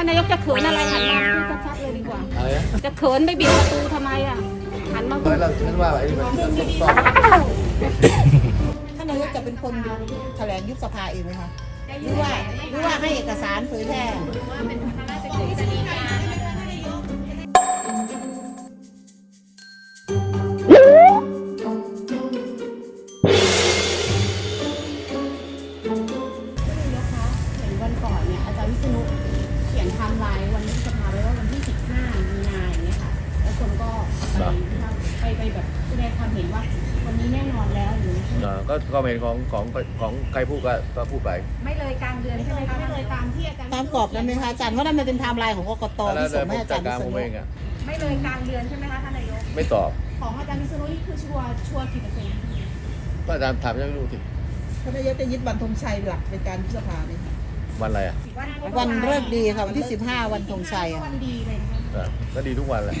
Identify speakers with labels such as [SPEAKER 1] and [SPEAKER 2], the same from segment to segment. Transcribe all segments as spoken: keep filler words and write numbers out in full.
[SPEAKER 1] านนายกจะเขินอะไรหันมาพูดชัดๆเลยดีกว่า
[SPEAKER 2] อะไรนะ
[SPEAKER 1] จะเขินไปบิดประตูทำไมอ่ะหันมา
[SPEAKER 2] เฮ้ยเราฉันว่าไอ้นี่มันต้องซ่อม
[SPEAKER 3] ท่านนายกจะเป็นคนแถลงยุบสภาเองไหมคะหรือว่าหรือว่าให้เอกสารเผยแพร่วันก่อนเนี่ยอาจารย์วิษณุเขียนไทม์ไลน์วันยุบสภาไว้ว่าวันที่สิบห้ามีนาอย่างเงี้ยค่ะแล้วคนก็ไปไปแบบแสดงความเห็นว่าวันนี้แน่นอนแล้วหรือ
[SPEAKER 2] เออก็ก็เป็นของของของใครพูดก็ก็พูดไป
[SPEAKER 1] ไม่เลยกลางเดือนใช่ไหมคะไม่เลยตามที่อาจารย์
[SPEAKER 3] ตามกรอบนั้นไหมคะอาจารย์เพราะนั่นมันเป็นไทม์ไลน์ของกกต
[SPEAKER 2] แล้ว
[SPEAKER 3] ที่ส่งให้
[SPEAKER 2] ผม
[SPEAKER 3] อา
[SPEAKER 2] จั
[SPEAKER 3] จา
[SPEAKER 2] ด
[SPEAKER 3] รย์
[SPEAKER 2] การ
[SPEAKER 3] วิษ
[SPEAKER 2] ผม
[SPEAKER 3] ณุ
[SPEAKER 2] เองอ่ะ
[SPEAKER 1] ไม่เลยกลางเดือนใช่ไหมคะท่านนายก
[SPEAKER 2] ไม่ตอบ
[SPEAKER 3] ของอาจารย์วิษณุนี่คือชัวร์ชัวร์กี่เปอร์เซ็นต์
[SPEAKER 2] ก็อาจารย์ถามยังไม่รู้สิ
[SPEAKER 3] ท่านนายกจะยึดวันธงชัยหลักในการยุบสภาไหมคะ
[SPEAKER 2] วันอะไรอ่ะ
[SPEAKER 3] วันเลิกดีค่ะวันที่สิบห้าวันธงชัยอ่ะ
[SPEAKER 1] วันดีเลยนะคะ
[SPEAKER 2] เออก็ดีทุกวันแหละ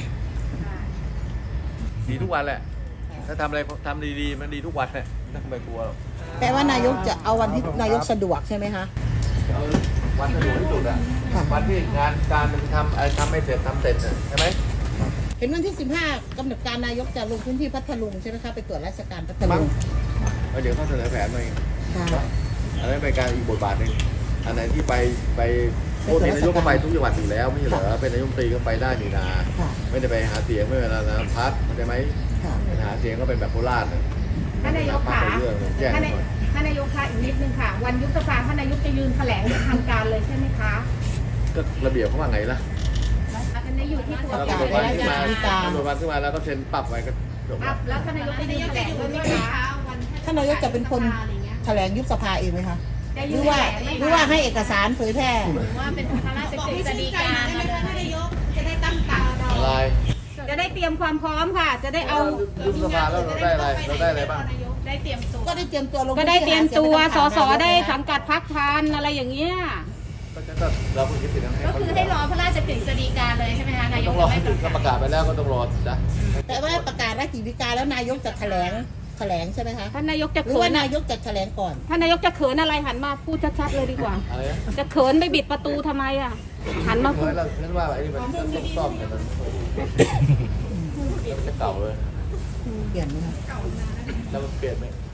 [SPEAKER 2] ดีทุกวันแหละถ้าทำอะไรทำดีๆมันดีทุกวันแหละไม่ต้องไปกลัวหรอก
[SPEAKER 3] แปลว่านายกจะเอาวันที่นายกสะดวกใช่ไหมคะ
[SPEAKER 2] เอาวันสะดวกที่สุดอ่ะ
[SPEAKER 3] ค่ะ
[SPEAKER 2] วันที่งานการมันทำอะไรทำไม่เสร็จทำเสร็จน่ะใช่ไหม
[SPEAKER 3] เห็นวันที่สิบห้ากำหนดการนายกจะลงพื้นที่พัทลุงใช่ไหมคะไปตรวจราชการพัท
[SPEAKER 2] มั้
[SPEAKER 3] ลุ
[SPEAKER 2] ง
[SPEAKER 3] ง
[SPEAKER 2] แล้วเดี๋ยวเขาเสนอแผนมาเอง
[SPEAKER 3] ค่ะ
[SPEAKER 2] อันนั้นเป็นการอีกบทบาทหนึ่งอันไหนที่ไปไปโอ้นายกก็ไปทุกจังหวัดอยู่แล้วไม่ใช่เหรอเป็นนายกรัฐมนตรีก็ไปได้นี่นา
[SPEAKER 3] ค่ะ
[SPEAKER 2] ไม่ได้ไปหาเสียงไม่เป็นไรนะพัดเข้าใจไหม
[SPEAKER 3] ค่ะ
[SPEAKER 2] ไปหาเสียงก็เป็นแบบโคราชน่ะ
[SPEAKER 1] ท่านนายก
[SPEAKER 2] พั
[SPEAKER 1] ค่ะ
[SPEAKER 2] ไปเรื่องแจ้ง
[SPEAKER 1] ท่าน
[SPEAKER 2] ห
[SPEAKER 1] นา
[SPEAKER 2] น่อย
[SPEAKER 1] ท่านนายกค่ะอีกนิดนึงค่ะ วันยุบสภาท่านนายกจะยืนแถลงทางการเลยใช่ไหมคะ
[SPEAKER 2] ก็ระเบียบเขาว่าไงล่ะ
[SPEAKER 1] อันนี้อยู่ที่ตัว
[SPEAKER 2] แล้ว
[SPEAKER 1] กา
[SPEAKER 2] ก็
[SPEAKER 1] ร
[SPEAKER 2] ตำรวจวันขึ้นมาตำรวจวันขึ้นมาแล้วก็เซ็นปรับไว้ก็จบ
[SPEAKER 1] อ่ะแล้วท่านนายกจะยืนแถลงด้วยไหมคะ
[SPEAKER 3] ท่านนายกจะเป็นคนแถลงยุบสภาเองไหมคะ
[SPEAKER 1] จะ
[SPEAKER 3] ห
[SPEAKER 1] ยื
[SPEAKER 3] รื
[SPEAKER 1] น
[SPEAKER 3] อว่า
[SPEAKER 1] แถลงไหม
[SPEAKER 3] หรือว่าให้เอกสารเผยแพร่
[SPEAKER 1] ว่าเป็นพระราชกฤษฎีกา
[SPEAKER 3] จะได้ตั้งตา
[SPEAKER 2] อะไร
[SPEAKER 1] จะได้เตรียมความพร้อมค่ะ จะได้เอา
[SPEAKER 2] ยุบสภาแล้วเราได้อะไรเราได้อะไรบ้าง
[SPEAKER 1] ได้เตรียมตัว
[SPEAKER 3] ก็ได้เตรียมตัวลง
[SPEAKER 1] ก็ได้เตรียมตัวสสได้สั
[SPEAKER 3] สั
[SPEAKER 1] งกัดพรรคทานอะไรอย่างเงี้ย
[SPEAKER 2] ก็จะก็เราเพิ่งคิดถึงให้
[SPEAKER 1] ก็คือให้รอพระราชกฤษฎีกาเลยใช่ไหมคะนาย
[SPEAKER 2] ต้
[SPEAKER 1] ก
[SPEAKER 2] องรอ
[SPEAKER 1] ไม่
[SPEAKER 2] ให้ประกาศไปแล้วก็ต้องรอจ้ะ
[SPEAKER 3] แต่ว่าประกาศราชกิจการแล้วนายกจะแถลงแถลงใช่ไหมคะ
[SPEAKER 1] ท่านนายกจะ
[SPEAKER 3] หรือ
[SPEAKER 1] เขิ
[SPEAKER 3] ว่าน นายกจะแถลงก่อน
[SPEAKER 1] ท่านนายกจะเขินอะไรหันมาพูดชัดๆเลยดีกว่า
[SPEAKER 2] อะไรนะ
[SPEAKER 1] จะเขินไปบิดประตูทำไมอ่ะหันมาพู
[SPEAKER 2] เฮ้
[SPEAKER 1] ด
[SPEAKER 2] ยเราฉันว่าไอ้นี่มันต้องซ่อมกันมันแล้วมันจะเก่าเลย
[SPEAKER 3] เปลี่ยนไหมคะ
[SPEAKER 2] แล้วมันเปลี่ยนไหม